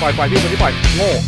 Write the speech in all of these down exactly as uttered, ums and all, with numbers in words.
ล่อยปล่อยพี่คนที่ปล่อยโง่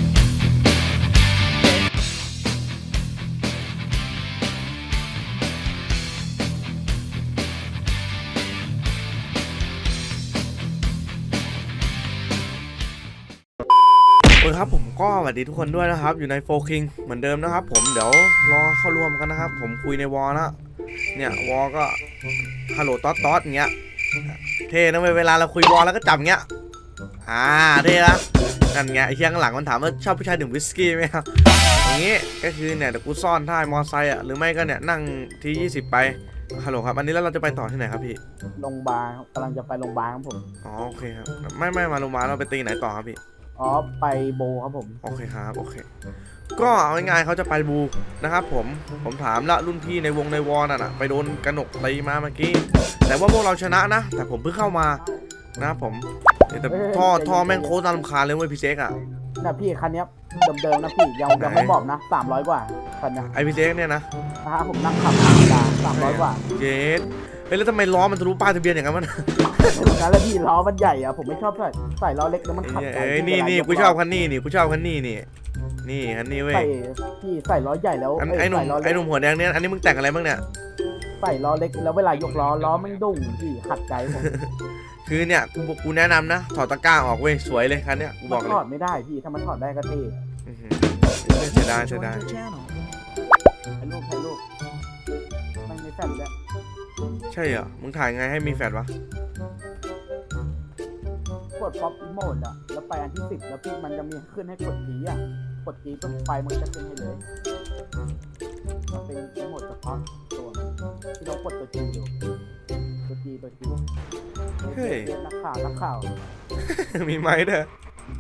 โอ้ยครับผมก็สวัสดีทุกคนด้วยนะครับอยู่ในโฟคิงเหมือนเดิมนะครับผมเดี๋ยวรอเข้าร่วมกันนะครับผมคุยในวอลนะเนี่ยวอลก็ฮัลโหลต๊อดต๊อดอย่างเงี้ยเท่นะเวลาเราคุยวอลแล้วก็จับเงี้ยอ่าเท่ละนั่นไงไอ้เชียงหลังมันถามว่าชอบผู้ชายดื่มวิสกี้ไหมครับอย่างงี้ก็คือเนี่ยเดี๋ยวกูซ่อนท้ายมอไซค์อ่ะหรือไม่ก็เนี่ยนั่งทียี่สิบไปฮัลโหลครับอันนี้แล้วเราจะไปต่อที่ไหนครับพี่โรงพยาบาลกำลังจะไปโรงพยาบาลครับผมอ๋อโอเคครับไม่ไม่มาโรงพยาบาลเราไปตีไหนต่อครับพี่อ๋อไปโบครับผมโอเคครับโอเคก็เอาง่ายๆเขาจะไปบูนะครับผมผมถามละรุ่นพี่ในวงในวอลน่ะไปโดนกระหนกตีมาเมื่อกี้แต่ว่าพวกเราชนะนะแต่ผมเพิ่งเข้ามานะผมแต่ท่อท่อแม่งโคตรน่ารำคาญเลยเว้ยพี่เซ็กอ่ะนะพี่คันนี้เดิมๆนะพี่ยังยังไม่บอกนะสามร้อยกว่าคันนี้ไอพี่เซ็กเนี่ยนะนะผมนั่งขับธรรมดาสามร้อยกว่าเจ๊เฮ้ยแล้วทำไมล้อมันทะลุป้ายทะเบียนอย่างนั้นมันงั้นแล้วพี่ล้อมันใหญ่อะผมไม่ชอบใส่ใส่ล้อเล็กแล้วมันขัดใจเอ้ยนี่นี่กูชอบคันนี้นี่กูชอบคันนี้นี่นี่คันนี้เว้ยใส่พี่ใส่ล้อใหญ่แล้วไอ้หนุ่มไอ้หนุ่มหัวแดงเนี่ยอันนี้มึงแต่งอะไรบ้างเนี่ยใส่ล้อเล็กแล้วเวลายกล้อล้อมันดุ่งพี่ขัดใจผมคือเนี่ยกูกูแนะนำนะถอดตะกร้าออกเว้ยสวยเลยคันเนี้ยกูบอกเลยถอดไม่ได้พี่ถ้ามันถอดได้ก็เท่เสียดายเสียดายถ่ายรูปถ่ายรูปมันมีแฟลชด้วยใช่เหรอมึงถ่ายไงให้มีแฟลชวะกดป๊อปโหมดอะแล้วไปอันที่สิบแล้วพี่มันจะมีขึ้นให้กดจีอะกดจีปุ๊บไฟมันจะขึ้นให้เลยมันเป็นโหมดเฉพาะตัวที่เรากดตัวจีอยู่ตัวจีตัวจีเฮ้ยนักข่าวนักข่าวมีไหมเด้อ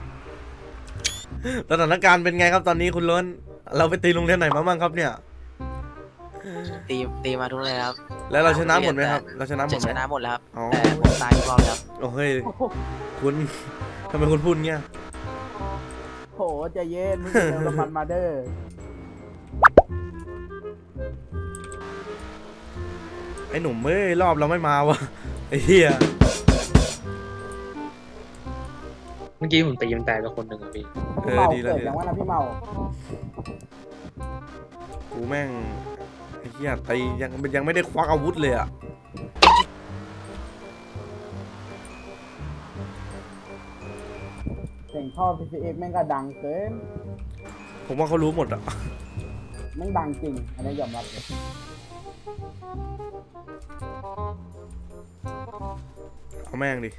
สถานการณ์เป็นไงครับตอนนี้คุณล้นเราไปตีโรงเรียนไหนมาบ้างครับเนี่ยตีตีมาทุกเลยครับแล้วเราชนะหมดไหมครับเราชนะหมดไหมชนะหมดแล้วครับแต่ผมตายทุกรอบแล้วโอ้เฮ้ยคุณทำไมคุณพูดเงี้ยโหใจเย็นมึงเร็วมันมาเด้อไอ้หนุ่มเอ้ยรอบเราไม่มาวะไอ้เหี้ยเมื่อกี้ผมตีมันตายไปคนหนึ่งอ่ะพี่เออดีแล้วเกิดยังว่านะพี่เมากูแม่งไอ้เหี้ยตียังยังไม่ได้ควักอาวุธเลยอะเสียงท่อ พี ซี เอ็กซ์ แม่งก็ดังเกินผมว่าเขารู้หมดอะแม่งดังจริงอันนี้ยอมรับเอาแม่งดิ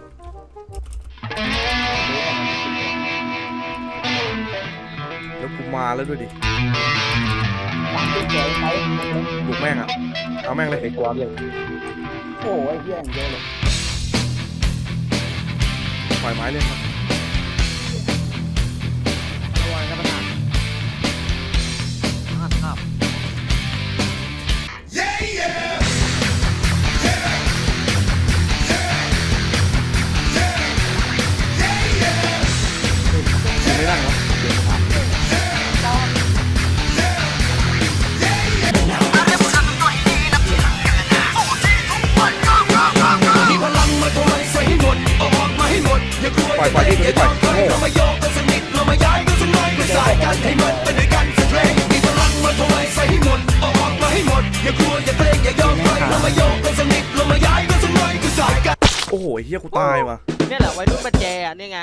แล้วกูมาแล้วด้วยดิบุกแม่งอะเอาแม่งเลยไอ้กวาดเลยโอ้ยเหี้ยอย่างเยอะเลยปล่อยไม้เลยครับระวังนะประธานพลาดครับไม่ได้หรอปล่อยปล่อยที่คุณปล่อยโง่เรามาโยกกันสักนิดเรามาย้ายกันสักหน่อยมาสายกันให้มันเป็นด้วยกันสักเพลงมีพลังมาทำลายใส่ให้หมดออกมาให้หมดอย่ากลัวอย่าเกรงอย่ายอมใครเรามาโยกกันสักนิดเรามาย้ายกันสักหน่อยมาสายกันโอ้โหเฮียกูตายว่ะนี่แหละวัยรุ่นมาแจอ่ะนี่ไง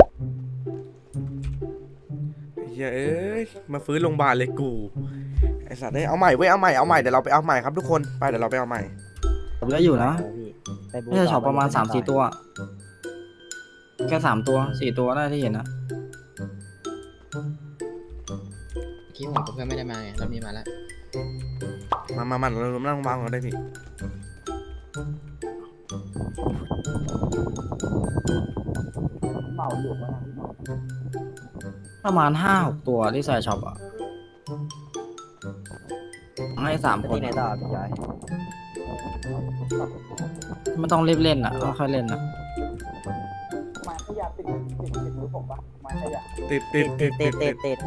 เฮียเอ้ยมาฟื้นโรงพยาบาลเลยกูไอสัตว์ได้เอาใหม่เว้ยเอาใหม่เอาใหม่เดี๋ยวเราไปเอาใหม่ครับทุกคนไปเดี๋ยวเราไปเอาใหม่ผมก็อยู่นะน่าจะช็อปประมาณสามสี่ตัวแค่สามตัวสี่ตัวได้ที่เห็นนะคิดผมกับเพื่อนไม่ได้มาไงรอบนี้มาแล้วมามามาเรานั่งวางกันได้พี่เมาอยู่นะประมาณห้าหกตัวที่ใส่ช็อปอ่ะให้สามคนที่ไหนต่อพี่ชายไม่ต้องรีบเล่นอ่ะค่อยๆเล่นนะมาขยะติดติดติดมือผมปะมาขยะติดติดติดติดติดติด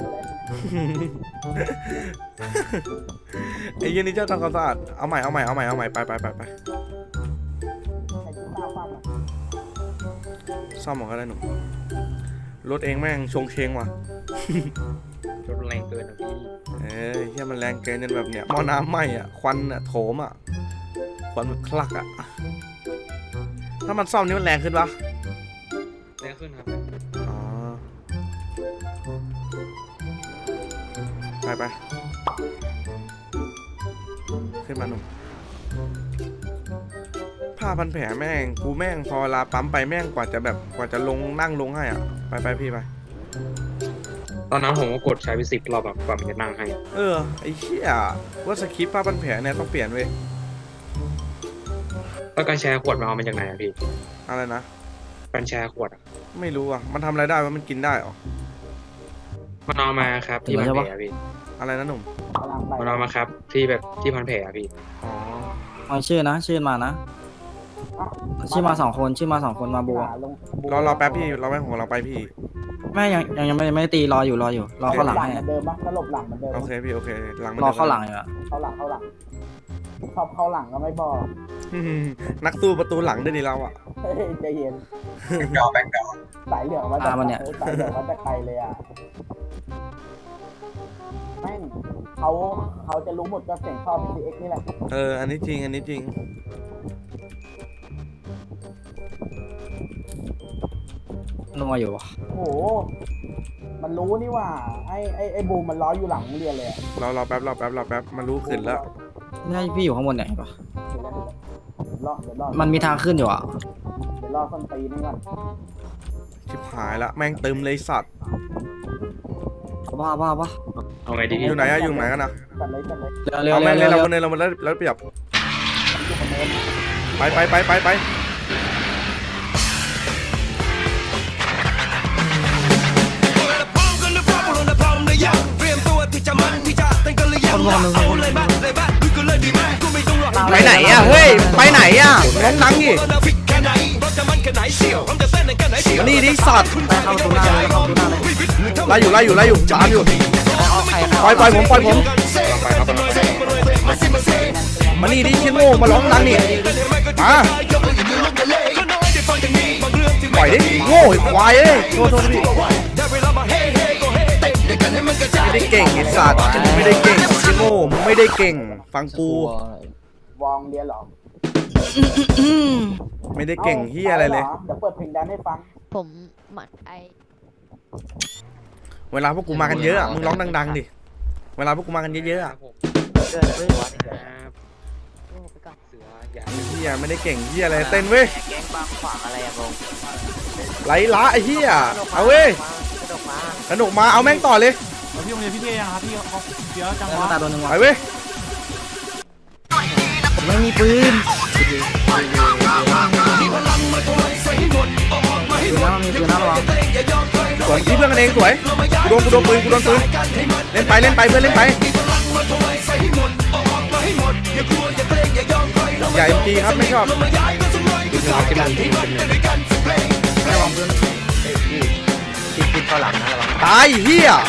ไอ้ยันนี่เจ้าทำความสะอาดเอาใหม่เอาใหม่เอาใหม่เอาใหม่ไปไปไปไปซ่อมหมดก็ได้หนุ่มรถเองแม่งชงเชงว่ะรถแรงเกินนะพี่เอ้ยเฮียมันแรงเกินจนแบบเนี้ยหม้อน้ำไหม้อ่ะควันอ่ะโถมอ่ะควันมันคลักอ่ะถ้ามันซ่อมนี่มันแรงขึ้นปะแรงขึ้นครับอ๋อไปไปขึ้นมาหนุ่มผ้าพันแผลแม่งกูแม่งพอเวลาปั๊มไปแม่งกว่าจะแบบกว่าจะลงนั่งลงให้อ่ะไปไปพี่ไปตอนนั้นผมก็กดใช้ไปสิบรอบแบบกว่ามันจะนั่งให้เออไอ้เหี้ยว่าสคริปต์ผ้าพันแผลเนี่ยต้องเปลี่ยนเว้ยแล้วการแชร์ขวดมาเอามาจากไหนอะพี่อะไรนะการแชร์ขวดอะไม่รู้อ่ะมันทำอะไรได้วะมันกินได้เหรอมันเอามาครับที่พันแผลอะพี่อะไรนะหนุ่มกำลังไปมันเอามาครับที่แบบที่พันแผลอะพี่อ๋อเอาชื่อนะ ชื่อมานะ ชื่อมาสองคนชื่อมาสองคนมาบัวลงรอรอแป๊บพี่รอแป๊บของเราไปพี่แม่ยังยังยังไม่ไม่ได้ตีรออยู่รออยู่รอเข้าหลังหลังให้เหมือนเดิมปะถ้าหลบหลังเหมือนเดิมโอเคพี่โอเคหลังมันรอดินเข้าหลังอยู่อะเข้าหลังเข้าหลังชอบเข้าหลังก็ไม่บอกอืมนักสู้ประตูหลังด้วยดิเราอ่ะเฮ้ยใจเย็นดอกแบงดอกสายเหลืองมาจากเออสายเหลืองมาจากไกลเลยอ่ะแม่งเขาเขาจะรู้หมดก็เสียงชอบ พี ซี เอ็กซ์ นี่แหละเอออันนี้จริงอันนี้จริงนัวอยู่วะโอ้โหมันรู้นี่ว่าไอ้ไอ้ไอ้บูมมันล้ออยู่หลังโรงเรียนเลยอะรอรอแป๊บรอแป๊บรอแป๊บมันรู้ขึ้นแล้วนี่ให้พี่อยู่ข้างบนเนี่ยเห็นปะเดี๋ยวรอเดี๋ยวรอเดี๋ยวรอมันมีทางขึ้นอยู่อะเดี๋ยวรอส้นตีนนี่ก่อนชิบหายละแม่งตึมเลยสัตว์บ้าบ้าบ้าเอาไงดีพี่อยู่ไหนอะอยู่ไหนกันนะจัดเลยจัดเลยเร็วเร็วเอาเร็แม่วงเลเร็ยว เราเร็วคนเดินเรามันแล้วแล้วเปรียบอยู่คนเดิมไปไปไปไปไปคนงงเลยคนงงเลยไปไหนอ่ะเฮ้ยไปไหนอ่ะร้องดังดิมานี่ดิสัตว์ไปเข้าตัวหน้าเลยเข้าตัวหน้าเลยไล่อยู่ไล่อยู่ไล่อยู่ตามอยู่เอาใครปล่อยปล่อยผมปล่อยผมไปครับไปครับมานี่ดิชิโง่มาร้องดังดิมาปล่อยดิโง่ไอ้ควายเอ้ยโทษโทษพี่ไม่ได้เก่งไอ้สัตว์ไม่ได้เก่งชิโง่มึงไม่ได้เก่งฟังกูวองเรียนเหรอไม่ได้เก่งเฮียอะไรเลยเดี๋ยวเปิดเพลงแดนให้ฟังผมหมัดไอเวลาพวกกูมากันเยอะอะมึงร้องดังๆดิเวลาพวกกูมากันเยอะๆอะเกินเลยหัวนี่ครับโอ้ไปก่อนเสืออย่าเฮียไม่ได้เก่งเฮียอะไรเต้นเว้ยแก๊งบางขวางอะไรอะผมไหลละไอ้เฮียเอาเว้ยกระดกมาสนุกมาเอาแม่งต่อเลยพี่โรงเรียนพี่เทยังครับพี่เขาเดี๋ยวจังหแล้ววะตาโดนหนึ่งไปวะเว้ยผมไม่มีปืนปืนนะมันมีปืนนะระวังสวนที่เพื่อนกันเองสวยกูโดนกูโดนปืนกูโดนปืนเล่นไปเล่นไปเพื่อนเล่นไปอย่าเอ็มจีครับไม่ชอบระวังปืนติดติดเข้าหลังนะระวังตายเฮีย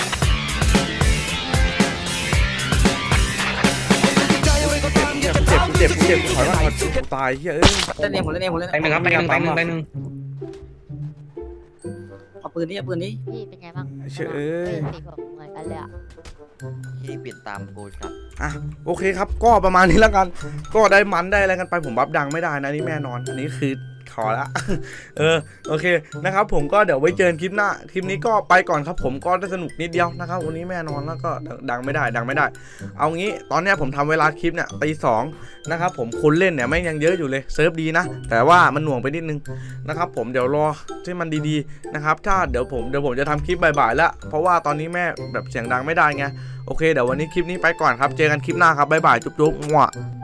เจ็บกูเจ็บกูเจ็บกูถอยมาถอยกูตายเฮียเอ้ยเล่นเองผมเล่นเองผมเล่นแตงหนึ่งครับแตงหนึ่งแตงหนึ่งแตงหนึ่งเอาปืนนี่เอาปืนนี่พี่เป็นไงบ้างเชื่อเอ้ยสีผมเหมือนกันเลยอ่ะที่เปลี่ยนตามกูครับอ่ะโอเคครับก็ประมาณนี้แล้วกัน ก็ได้มันได้อะไรกันไปผมบัฟดังไม่ได้นะนี่แน่นอนอันนี้คือขอละ เออโอเคนะครับผมก็เดี๋ยวไว้เจอคลิปหน้าคลิปนี้ก็ไปก่อนครับผมก็ได้สนุกนิดเดียวนะครับวันนี้แน่นอนแล้วก็ดังไม่ได้ดังไม่ได้ เอางี้ตอนเนี้ยผมทำเวลาคลิปเนี่ยตีสองนะครับผมคนเล่นเนี่ยแม่งยังเยอะอยู่เลยเซิร์ฟดีนะแต่ว่ามันหน่วงไปนิดนึงนะครับผมเดี๋ยวรอที่มันดีๆนะครับถ้าเดี๋ยวผมเดี๋ยวผมจะทำคลิปบ่ายๆแล้วเพราะว่าตอนนี้แม่แบบเสียงดังไม่ได้ไงโอเคเดี๋ยววันนี้คลิปนี้ไปก่อนครับเจอกันคลิปหน้าครับบ๊ายบายจุ๊บๆมั่ว